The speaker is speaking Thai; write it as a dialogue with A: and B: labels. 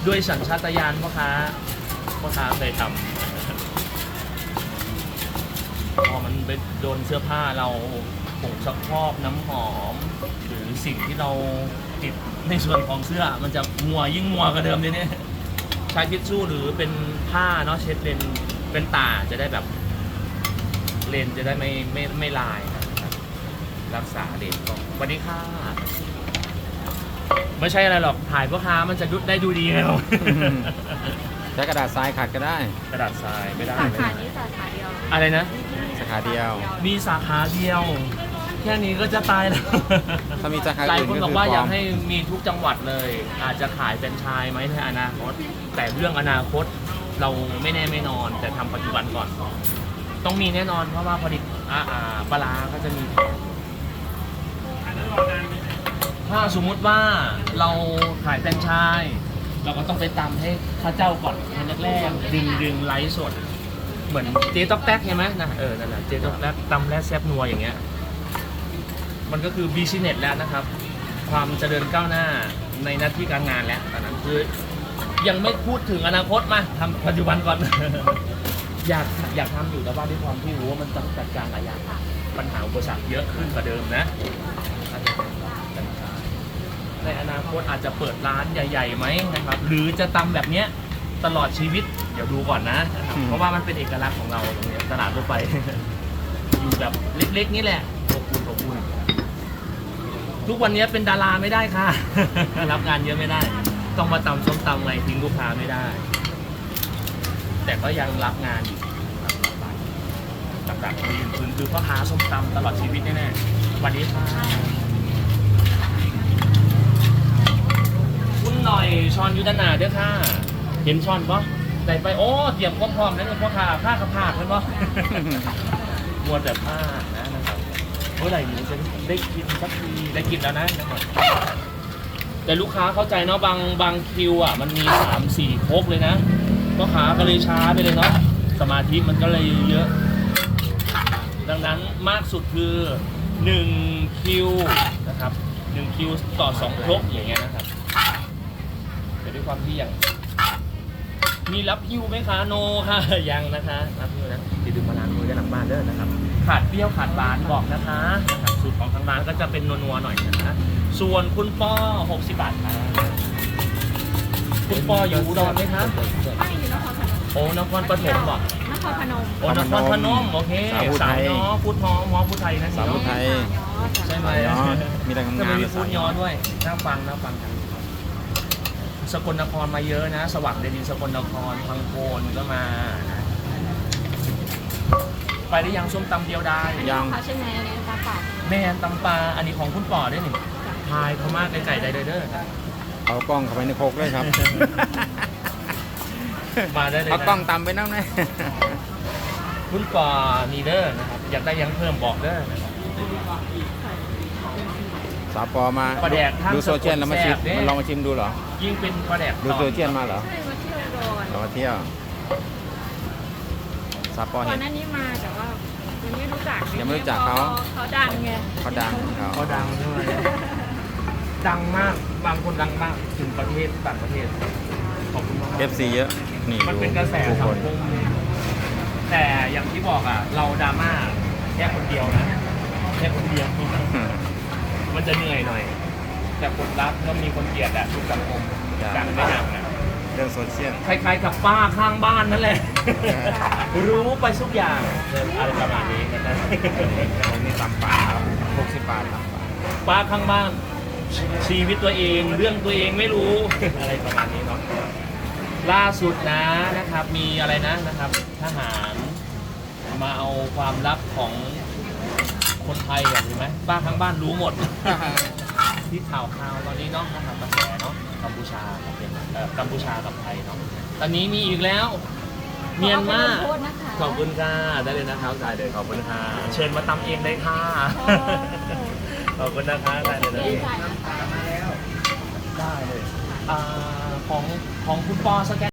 A: ด้วยสัญชาตญาณพ่อค้าเคยทำพอมันไปโดนเสื้อผ้าเราผงซักฟอกน้ำหอมหรือสิ่งที่เราติดในส่วนของเสื้อมันจะยิ่งมัวกว่าเดิมเลยเนี่ยใช้ทิชชู่หรือเป็นผ้าเนาะเช็ดเลนเป็นตาจะได้แบบเลนจะได้ไม่ลายนะครับรักษาเลนก่อนสวัสดีค่ะไม่ใช่อะไรหรอกถ่ายพ่อค้ามันจะได้ดูดีไงเรา
B: ใช้กระดาษทรายขัดก็ได้
A: กระดาษทรายไม่ได้
C: สาขานี้สาขาเดียว
A: อะไรนะ
B: สาขาเดียว
A: มีสาขาเดียว แค่นี้ก็จะตายแล้ว
B: ถ้ามีสาขา
A: หลาย
B: อื่น
A: คน
B: ก็
A: บอก
B: คือ
A: ว่า
B: ป
A: อ
B: ล
A: ยา
B: อก ม
A: ให้มีทุกจังหวัดเลย อาจจะขายเป็นไชายไหมในอนาคตแต่เรื่องอนาคตเราไม่แน่ไม่นอน แต่ทำปัจจุบันก่อน ต้องมีแน่นอนเพราะว่าผลิตปลาร้าก็จะมีถ้าสมมุติว่าเราขายแฟรนไชส์เราก็ต้องไปตำให้ข้าเจ้าก่อนแรกๆดึงไลฟ์สดเหมือนเจ๊ต๊อกแต๊กใช่ไหมนะนั่นแหละเจ๊ต๊อกแต๊กตำและแซ่บนัวอย่างเงี้ยมันก็คือบิสเนสแล้วนะครับความเจริญก้าวหน้าในหน้าที่การงานแล้วตอนนั้นคือยังไม่พูดถึงอนาคตมาทำปัจจุบันก่อน อยากทำอยู่แต่ว่าด้วยความที่รู้ว่ามันต้องจัดการหลายอย่างปัญหาอุปสรรคเยอะขึ้นกว่าเดิมนะในอนาคตอาจจะเปิดร้านใหญ่ๆไหมนะครับหรือจะตำแบบเนี้ยตลอดชีวิตเดี๋ยวดูก่อนนะเพราะว่ามันเป็นเอกลักษณ์ของเราตรงนี้ตลาดรถไฟ อยู่แบบเล็กๆนี่แหละอบอุ่นทุกวันนี้เป็นดาราไม่ได้ค่ะ รับงานเยอะไม่ได้ต้องมาตำส้มตำไงทิ้งลูกค้าไม่ได้แต่ก็ยังรับงานอยู่หลักๆยืนพื้นคือพ่อค้าส้มตำตลอดชีวิตแน่ๆวันนี้ค่ะคุณหน่อยช้อนยุทธนาเด้อค่ะเห็นช้อนปะใส่ไปโอ้เตรียมพร้อมๆนั่นคือพ่อค้าผ้ากระพากเห็นปะ มัวแต่ผ้านะครับเมื่อไหร่หนูจะได้กินสักทีได้กินแล้วนะครับแต่ลูกค้าเข้าใจเนาะบางคิวอ่ะมันมี3-4ครกเลยนะพ่อค้าก็เลยช้าไปเลยเนาะสมาธิมันก็เลยเยอะดังนั้นมากสุดคือ1คิวนะครับ1คิวต่อ2ครกอย่างเงี้ยนะครับแต่ด้วยความที่อย่างมีรับฮิวไหมคะโนค่ะยังนะคะรับฮิวนะติดดึงมาล้างมือได้หลังบ้านเด้อนะครับขาดเปรี้ยวขาดหวานบอกนะคะสูตรของทางร้านก็จะเป็นนัวๆหน่อยนะคะส่วนคุณป้อ60 บาทครับคุณป้ออยู่อุดรไหมคะ
C: ไม่อยู่นครพนม
A: โอ้นครปฐมบอก
C: นครพนม
A: โอ้นครพนมโอเคสาวย้อพุทธหมอพุทธไทยนะ
B: สาวพุทธไทย
A: ใช่ไหม
B: เนาะมีแต่
A: ทำ
B: งา
A: ไม
B: น
A: มี
B: ๆ
A: พุทธย้อด้วยน่าฟังกันสกลนครมาเยอะนะสว่างเดลินสกลนครพังโคนก็มานะไปได้ยังส้มตำเดียวได้
B: ยัง
C: เขาใช่ไหมอันนี้ตาปาก
A: แม่นตำปลาอันนี้ของคุณป่อได้หนิทายเขามากไก่ได้เด้อ
B: เอากล้องเข้าไปในโคกเลยครับ
A: มาได้เลย
B: เอากล้อง
A: นะ
B: ตำไปนั่งนะ
A: คุณป่อนีเด้อนะครับอยากได้ยังเพิ่มบอกเด้อนะครับ
B: สาวปอมา
A: ปลาแดกท่า
B: ดูโซเชียลแล้วมาชิม
A: แซ่บเด้
B: มันลองมาชิมดูเหรอ
A: ยิ่งเป็นปลาแดก
B: ดูโซเชียลมาเหรอ
C: ใช่มาเที่ยวโดน
B: เรามาเที่ยวสาวปอ
C: ก่อ
B: เห็
C: น
B: น
C: หน้านี้มาแต่ว่ายังไม่รู้จัก
B: ยังไม่รู้จักเขา
C: เขาดังไง
B: เขาดังเขา
A: เขาดังใช่ไหมดังมากบางคนดังมากถึงประเทศต่างประเทศขอบคุณมาก
B: FC เยอะนี่
A: มัน
B: ดู
A: เป็นกระแส
B: ผู้
A: สั
B: ค
A: ง
B: น
A: คมแต่อย่างที่บอกอ่ะเราดราม่าแค่คนเดียวนะแค่คนเดียวมันจะเหนื่อยหน่อย แต่คนรักก็มีคนเกลียดอะทุกสังคมดังไม่ดังนะ
B: เรื่องโซเชียล
A: คล้ายๆกับป้าข้างบ้านนั่นแหละ รู้ไปทุกอย่างอะไรประมาณนี้นะครับ
B: ผมนี่ตำป่าครับ60 บาทตำป่า
A: ป้าข้างบ้านชีวิตตัวเองเรื่องตัวเองไม่รู้ อะไรประมาณนี้เนาะล่าสุดนะครับมีอะไรนะครับทหารมาเอาความลับของคนไทยเห็นไหมป้าข้างบ้านรู้หมด ที่ข่าวตอนนี้เนาะนะครับกระแสเนาะกัมพูชากับกัมพูชากับไทยเนาะตอนนี้มีอีกแล้วเมียนมา
C: ขอนะคะ
A: ขอบคุณค่ะได้เลยนะครับได้เลยขอบคุณค่ะเชิญมาตำเองได้ค่ะขอบคุณนะคะได้เลยนะได้เลยของคุณปอสแกน